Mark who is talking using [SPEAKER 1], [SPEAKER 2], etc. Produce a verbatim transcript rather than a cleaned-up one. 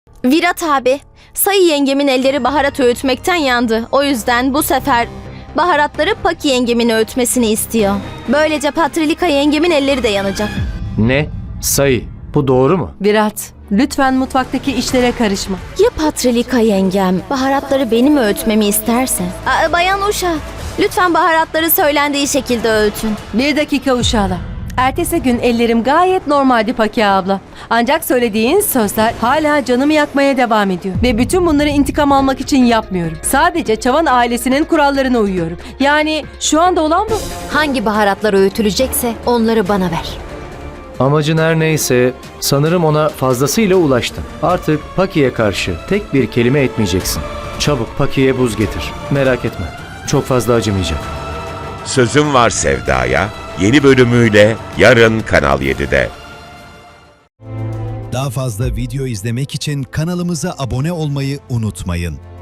[SPEAKER 1] Virat abi, Sayı yengemin elleri baharat öğütmekten yandı. O yüzden bu sefer baharatları Paki yengemin öğütmesini istiyor. Böylece Patrilika yengemin elleri de yanacak.
[SPEAKER 2] Ne? Sayı, bu doğru mu?
[SPEAKER 3] Virat, lütfen mutfaktaki işlere karışma.
[SPEAKER 1] Ya Patrilika yengem baharatları benim öğütmemi isterse? Aa, Bayan Uşa, lütfen baharatları söylendiği şekilde öğütün.
[SPEAKER 3] Bir dakika uşağılar. Ertesi gün ellerim gayet normaldi Paki abla. Ancak söylediğin sözler hala canımı yakmaya devam ediyor. Ve bütün bunları intikam almak için yapmıyorum. Sadece Çavan ailesinin kurallarına uyuyorum. Yani şu anda olan bu.
[SPEAKER 4] Hangi baharatlar öğütülecekse onları bana ver.
[SPEAKER 2] Amacın her neyse sanırım ona fazlasıyla ulaştın. Artık Paki'ye karşı tek bir kelime etmeyeceksin. Çabuk Paki'ye buz getir. Merak etme. Çok fazla acımayacak.
[SPEAKER 5] Sözüm Var Sevda'ya yeni bölümüyle yarın Kanal yedide.
[SPEAKER 6] Daha fazla video izlemek için kanalımıza abone olmayı unutmayın.